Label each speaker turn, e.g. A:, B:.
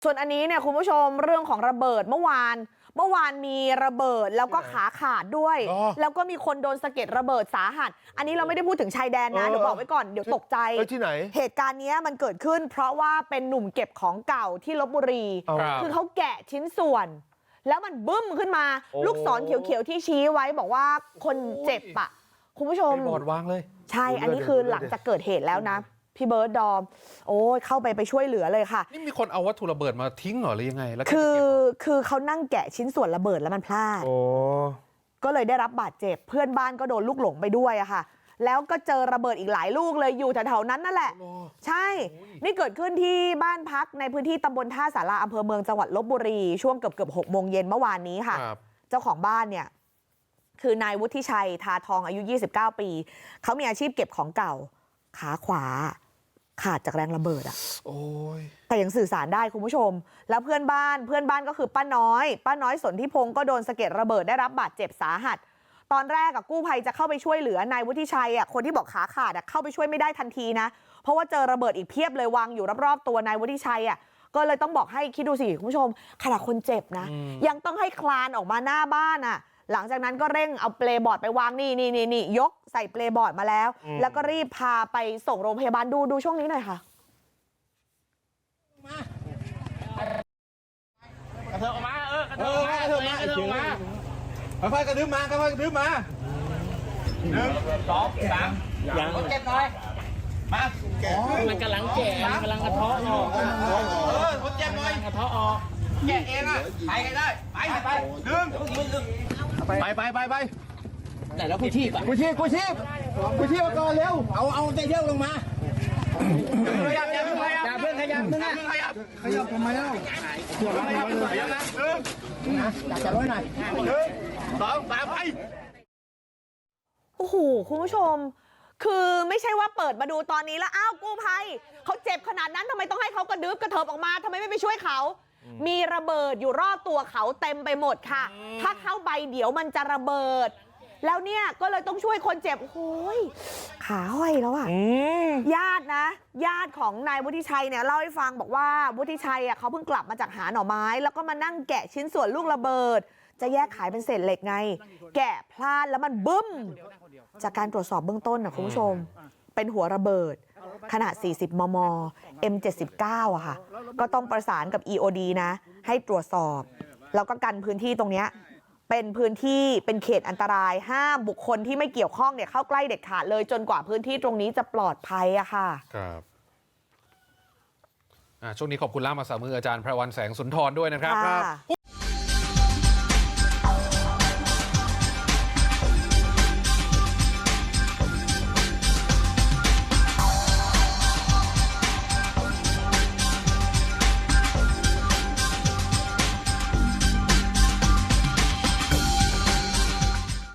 A: ส่วนอันนี้เนี่ยคุณผู้ชมเรื่องของระเบิดเมื่อวานมีระเบิดแล้วก็ขาขาดด้วยแล้วก็มีคนโดนสะเก็ดระเบิดสาหัสอันนี้เราไม่ได้พูดถึงชายแดนนะเดี๋ยวบอกไว้ก่อนเดี๋ยวตกใจ
B: ที่ไหน
A: เหตุการณ์นี้มันเกิดขึ้นเพราะว่าเป็นหนุ่มเก็บของเก่าที่ลพบุรีคือเขาแกะชิ้นส่วนแล้วมันบึ้มขึ้นมาลูกศรเขียวๆที่ชี้ไว้บอกว่าคนเจ็บอ่ะคุณผู้ชม
B: บอดวางเลย
A: ใช่อันนี้คือหลังจากเกิดเหตุแล้วนะพี่เบิร์ดดอมโอ้ยเข้าไปช่วยเหลือเลยค่ะ
B: นี่มีคนเอาวัตถุระเบิดมาทิ้งเหรอหรือยังไงแล้ว
A: คือเขานั่งแกะชิ้นส่วนระเบิดแล้วมันพลาดก็เลยได้รับบาดเจ็บเพื่อนบ้านก็โดนลูกหลงไปด้วยอะค่ะแล้วก็เจอระเบิดอีกหลายลูกเลยอยู่แถวๆนั้นนั่นแหละใช่นี่เกิดขึ้นที่บ้านพักในพื้นที่ตำบลท่าสาราอำเภอเมืองจังหวัดลพบุรีช่วงเกือบ6 โมงเย็นเมื่อวานนี้ค่ะเจ้าของบ้านเนี่ยคือนายวุฒิชัยทาทองอายุ29 ปีเขามีอาชีพเก็บของเก่าขาขวาขาดจากแรงระเบิดอ่ะแต่ยังสื่อสารได้คุณผู้ชมแล้วเพื่อนบ้านก็คือป้าน้อยสนธิพงศ์ก็โดนสะเก็ดระเบิดได้รับบาดเจ็บสาหัสตอนแรกกู้ภัยจะเข้าไปช่วยเหลือนายวุฒิชัยคนที่บอกขาขาดเข้าไปช่วยไม่ได้ทันทีนะเพราะว่าเจอระเบิดอีกเพียบเลยวางอยู่รอบๆตัวนายวุฒิชัยก็เลยต้องบอกให้คิดดูสิคุณผู้ชมขนาดคนเจ็บนะยังต้องให้คลานออกมาหน้าบ้านหลังจากนั้นก็เร่งเอาเปลบอร์ดไปวางนี่ยกใส่เปลบอร์ดมาแล้วก็รีบพาไปส่งโรงพยาบาลดูช่วงนี้หน่อยค่ะ
C: กระเทาะออกมากระเทาะออกมา
D: ค่อยๆกระดึ๊บมาค่อยๆกระดึ๊บมา
C: 1 2 3อย่างเก็บหน่อยมามันกำลังแก่กำลังกระเทาะออก
D: คนเจ็บหน่อย
C: กระเทาะออก
D: แกะเองไปกันได้ไปดึงไป
C: แต่แล้วกูชีพมา
D: ก่อนเร็ว
C: เอาใจเที่ยวลงมา
D: ขยับ
C: เพื่อนขยับมึง
D: ทำไมเล่า
C: จะร้อยหน่อย
D: 2 3ไป
A: โอ้โหคุณผู้ชมคือไม่ใช่ว่าเปิดมาดูตอนนี้แล้วอ้าวกู้ภัยเขาเจ็บขนาดนั้นทำไมต้องให้เขากระดึ๊บกระเถิบออกมาทำไมไม่ไปช่วยเขามีระเบิดอยู่รอบตัวเขาเต็มไปหมดค่ะถ้าเข้าไปเดี๋ยวมันจะระเบิดแล้วเนี่ยก็เลยต้องช่วยคนเจ็บโอ้ยขาห้อยแล้วญาติของนายวุฒิชัยเนี่ยเล่าให้ฟังบอกว่าวุฒิชัยเขาเพิ่งกลับมาจากหาหน่อไม้แล้วก็มานั่งแกะชิ้นส่วนลูกระเบิดจะแยกขายเป็นเศษเหล็กไงแกะพลาดแล้วมันบึ้มจากการตรวจสอบเบื้องต้นนะคุณผู้ชมเป็นหัวระเบิดขนาด40 มม. M79 อะค่ะก็ต้องประสานกับ EOD นะให้ตรวจสอบแล้วก็กันพื้นที่ตรงนี้เป็นพื้นที่เป็นเขตอันตรายห้ามบุคคลที่ไม่เกี่ยวข้องเนี่ยเข้าใกล้เด็ดขาดเลยจนกว่าพื้นที่ตรงนี้จะปลอดภัยอะค่ะ
B: ครับช่วงนี้ขอบคุณล่ามภาษามืออาจารย์ไพรวรรณแสงสุนทรด้วยนะครับ